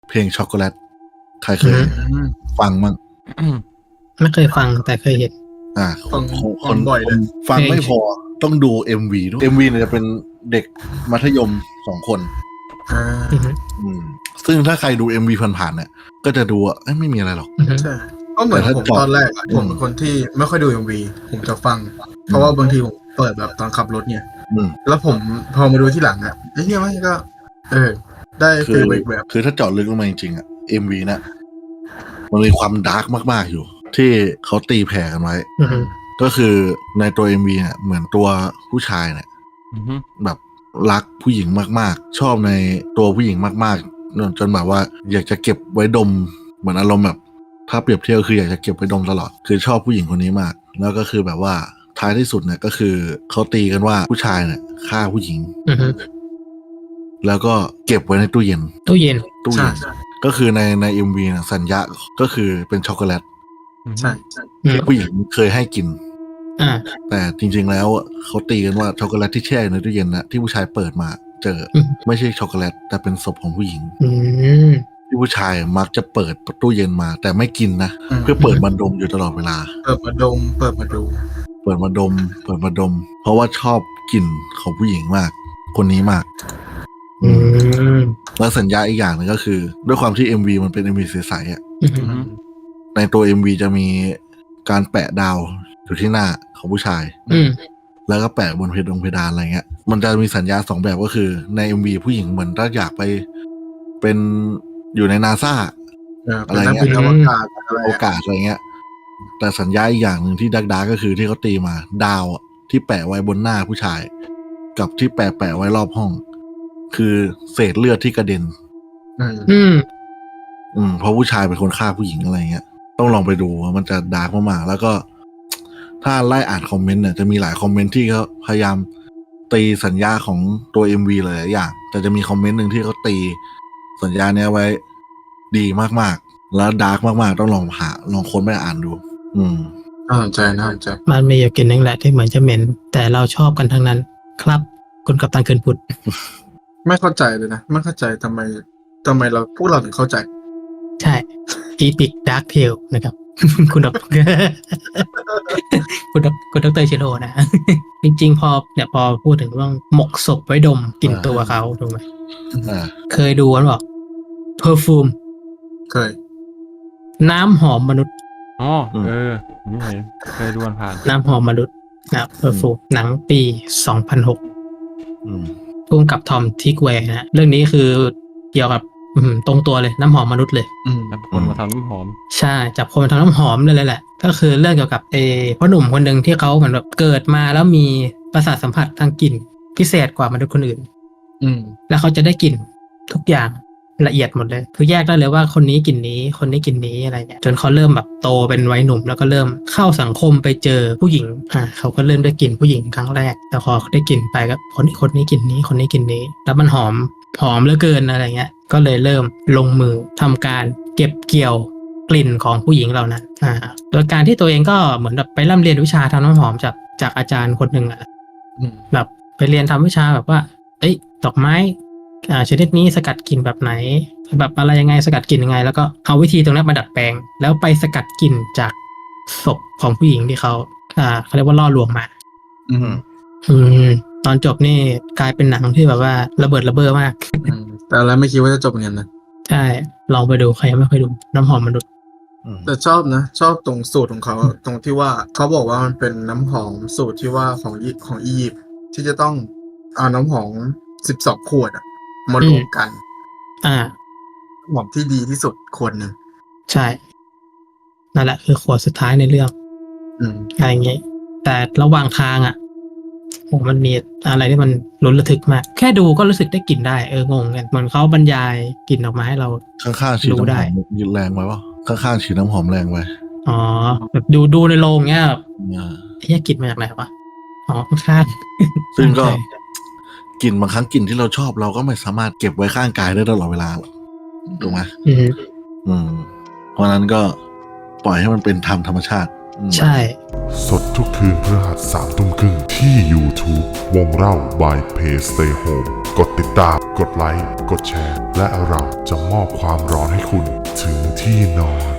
เพลงช็อกโกแลตใครเคยฟังมั้งไม่เคยฟังแต่เคยเห็นคนบ่อยเลยฟังไม่พอต้องดู MV ด้วย MV เนี่ยจะเป็นเด็กมัธยม2 คนซึ่งถ้าใครดู MV ผ่านๆเนี่ยก็จะดูไม่มีอะไรหรอกใช่ก็เหมือนผมตอนแรกผมเป็นคนที่ไม่ค่อยดู MV ผมจะฟังเพราะว่าบางทีผมเปิดแบบตอนขับรถเนี่ยแล้วผมพอมาดูที่หลังไอ้เหี้ยมันก็ได้ฟีลแบบคือถ้าเจาะลึกลงมาจริงๆMV เนี่ยมันมีความดาร์กมากๆอยู่ที่เขาตีแผ่กันไว้ก็คือในตัว MV เนี่ยเหมือนตัวผู้ชายเนี่ยแบบรักผู้หญิงมากๆชอบในตัวผู้หญิงมากๆจนแบบว่าอยากจะเก็บไว้ดมเหมือนอารมณ์แบบถ้าเปรียบเทียบคืออยากจะเก็บไว้ดมตลอดคือชอบผู้หญิงคนนี้มากแล้วก็คือแบบว่าท้ายที่สุดเนี่ยก็คือเขาตีกันว่าผู้ชายเนี่ยฆ่าผู้หญิงแล้วก็เก็บไว้ในตู้เย็นก็คือใน MV เนี่ยสัญญาก็คือเป็นช็อกโกแลตใช่ที่ผู้หญิงเคยให้กินแต่จริงๆแล้วเขาตีกันว่าช็อกโกแลตที่แช่ในตู้เย็นนะที่ผู้ชายเปิดมาเจอไม่ใช่ช็อกโกแลตแต่เป็นศพของผู้หญิงที่ผู้ชายมักจะเปิดตู้เย็นมาแต่ไม่กินนะเพื่อเปิดมาดมอยู่ตลอดเวลาเปิดมาดมเพราะว่าชอบกลิ่นของผู้หญิงมากคนนี้มากแล้วสัญญาอีกอย่างนึงก็คือด้วยความที่ MV มันเป็น MV ใสๆในตัว MV จะมีการแปะดาวอยู่ที่หน้าของผู้ชายแล้วก็แปะบนเพดานอะไรเงี้ยมันจะมีสัญญา2 แบบก็คือใน MV ผู้หญิงเหมือนถ้าอยากไปเป็นอยู่ใน NASA อะไรเงี้ยโอกาสอะไรเงี้ยแต่สัญญาอีกอย่างหนึ่งที่ดักก็คือที่เขาตีมาดาวที่แปะไว้บนหน้าผู้ชายกับที่แปะไว้รอบห้องคือเศษเลือดที่กระเด็นเพราะผู้ชายเป็นคนฆ่าผู้หญิงอะไรเงี้ยต้องลองไปดูมันจะดาร์กมากๆแล้วก็ถ้าไล่อ่านคอมเมนต์เนี่ยจะมีหลายคอมเมนต์ที่เขาพยายามตีสัญญาของตัว MV หลายอย่างแต่จะมีคอมเมนต์นึงที่เขาตีสัญญาเนี้ยไว้ดีมากๆแล้วดาร์กมากๆต้องลองค้นไปอ่านดูน่าสนใจมันมีอยู่กลิ่นนึงแหละที่เหมือนจะเหม็นแต่เราชอบกันทั้งนั้นครับคุณกัปตันเคินพุทธไม่เข้าใจเลยนะไม่เข้าใจทำไมเราพวกเราถึงเข้าใจใช่อีพิกดาร์กเทลนะครับคุณดรชิโร่นะจริงๆพอพูดถึงเรื่องหมกศพไว้ดมกลิ่นตัวเขาถูกไหมเคยดูกันบอกเพอร์ฟูมเคยน้ำหอมมนุษย์นี่เคยดูผ่านน้ำหอมมนุษย์นะเพอร์ฟูมหนังปี 2006ร่วมกับทอมทิกแวร์นะเรื่องนี้คือเกี่ยวกับตรงตัวเลยน้ำหอมมนุษย์เลยจับคนมาทำน้ำหอมใช่จับคนมาทำน้ำหอมเลยแหละก็คือเรื่องเกี่ยวกับพ่อหนุ่มคนหนึ่งที่เขาเหมือนแบบเกิดมาแล้วมีประสาทสัมผัสทางกลิ่นพิเศษกว่ามนุษย์คนอื่นแล้วเขาจะได้กลิ่นทุกอย่างละเอียดหมดเลยคือแยกได้เลยว่าคนนี้กลิ่นนี้คนนี้กลิ่นนี้อะไรเงี้ยจนเขาเริ่มแบบโตเป็นวัยหนุ่มแล้วก็เริ่มเข้าสังคมไปเจอผู้หญิงเขาก็เริ่มได้กลิ่นผู้หญิงครั้งแรกแต่พอได้กลิ่นไปก็คนนี้กลิ่นนี้คนนี้กลิ่นนี้แล้วมันหอมเหลือเกินอะไรเงี้ยก็เลยเริ่มลงมือทำการเก็บเกี่ยวกลิ่นของผู้หญิงเหล่านั้นโดยการที่ตัวเองก็เหมือนแบบไปร่ำเรียนวิชาทำน้ำหอมจากอาจารย์คนหนึ่งแบบไปเรียนทำวิชาแบบว่าดอกไม้ชนิดนี้สกัดกลิ่นแบบไหนแบบอะไรยังไงสกัดกลิ่นยังไงแล้วก็เอาวิธีตรงนั้นมาดัดแปลงแล้วไปสกัดกลิ่นจากศพของผู้หญิงที่เขาเรียกว่าล่อลวงมาตอนจบนี่กลายเป็นหนังที่แบบว่าระเบิดระเบ้อมากแต่แล้วไม่คิดว่าจะจบอย่างนั้นนะใช่ลองไปดูใครยังไม่เคยดูน้ำหอมมนุษย์แต่ชอบตรงสูตรของเขาตรงที่ว่าเขาบอกว่ามันเป็นน้ำหอมสูตรที่ว่าของอียิปต์ที่จะต้องเอาน้ำหอม12 ขวดมารวมกันน้ำหอมที่ดีที่สุดขวดหนึ่งใช่นั่นแหละคือขวดสุดท้ายในเรื่องอะไรอย่างเงี้ยแต่ระหว่างทางมันมีอะไรที่มันลุ้นระทึกมากแค่ดูก็รู้สึกได้กลิ่นได้งงกันเหมือนเขาบรรยายกลิ่นออกมาให้เราข้างๆฉีดน้ำหอมยืดแรงไว้วะข้างๆฉีดน้ำหอมแรงไว้แบบดูในโรงเงี้ยกลิ่นมาจากไหนวะข้างซึ่งก็กลิ่นบางครั้งกลิ่นที่เราชอบเราก็ไม่สามารถเก็บไว้ข้างกายได้ตลอดเวลาหรอกถูกไหมเพราะนั้นก็ปล่อยให้มันเป็นธรรมชาติใช่สดทุกคืนพฤหัส 3 ทุ่มครึ่งที่ YouTube วงเล่า by Play Stay Home กดติดตาม กดไลค์ กดแชร์ และเราจะมอบความร้อนให้คุณถึงที่นอน